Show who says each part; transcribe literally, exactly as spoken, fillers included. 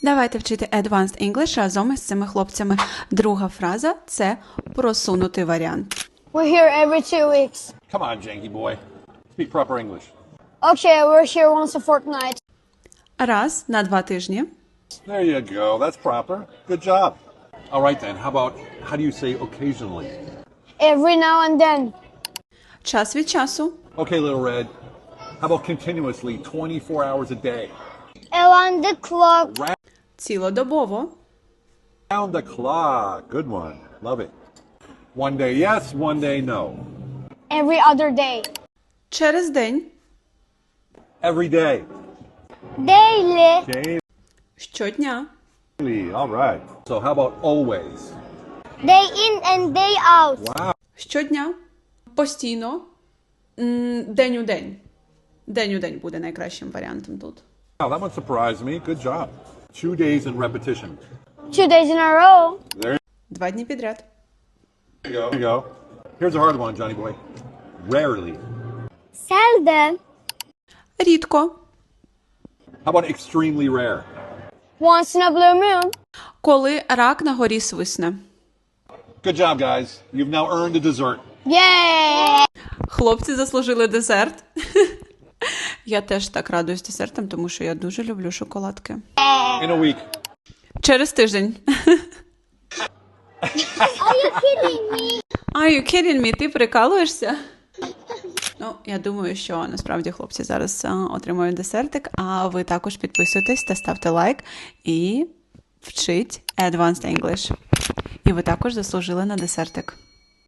Speaker 1: Давайте вчити Advanced English разом із цими хлопцями. Друга фраза – це просунутий варіант.
Speaker 2: We're here every two weeks.
Speaker 3: Come on, janky boy. Speak proper English.
Speaker 2: Okay, we're here once a fortnight.
Speaker 1: Раз на два тижні.
Speaker 3: There you go. That's proper. Good job. All right then. How about, how do you say occasionally?
Speaker 2: Every now and then.
Speaker 1: Час від часу.
Speaker 3: Okay, little red. How about continuously, twenty-four hours a day?
Speaker 2: Around the clock.
Speaker 1: Цілодобово.
Speaker 3: Round the clock. Good one. Love it. One day yes, one day no.
Speaker 2: Every other day.
Speaker 1: Через день.
Speaker 3: Every day.
Speaker 2: Daily.
Speaker 1: Щодня.
Speaker 3: Daily. All right. So how about always?
Speaker 2: Day in and day out.
Speaker 3: Wow.
Speaker 1: Щодня. Постійно. М, День у день. День у день буде найкращим варіантом тут.
Speaker 3: Wow, that one surprised me. Good job. Two days in repetition.
Speaker 2: Two days in a row.
Speaker 3: There
Speaker 1: Два дні підряд.
Speaker 3: you go. There you go. Here's a hard one, Johnny boy. Rarely.
Speaker 2: Seldom.
Speaker 1: Рідко.
Speaker 3: How about extremely rare?
Speaker 2: Once in a blue moon.
Speaker 1: Коли рак на горі свисне.
Speaker 3: Good job, guys. You've now earned a dessert.
Speaker 2: Yay!
Speaker 1: Хлопці заслужили десерт. Я теж так радуюсь десертам, тому що я дуже люблю шоколадки.
Speaker 3: In a week.
Speaker 1: Через тиждень.
Speaker 2: Are you kidding me?
Speaker 1: Are you kidding me? Ти прикалуєшся? Ну, я думаю, що насправді хлопці зараз а, отримують десертик, а ви також підписуйтесь та ставте лайк і вчіть Advanced English. І ви також заслужили на десертик.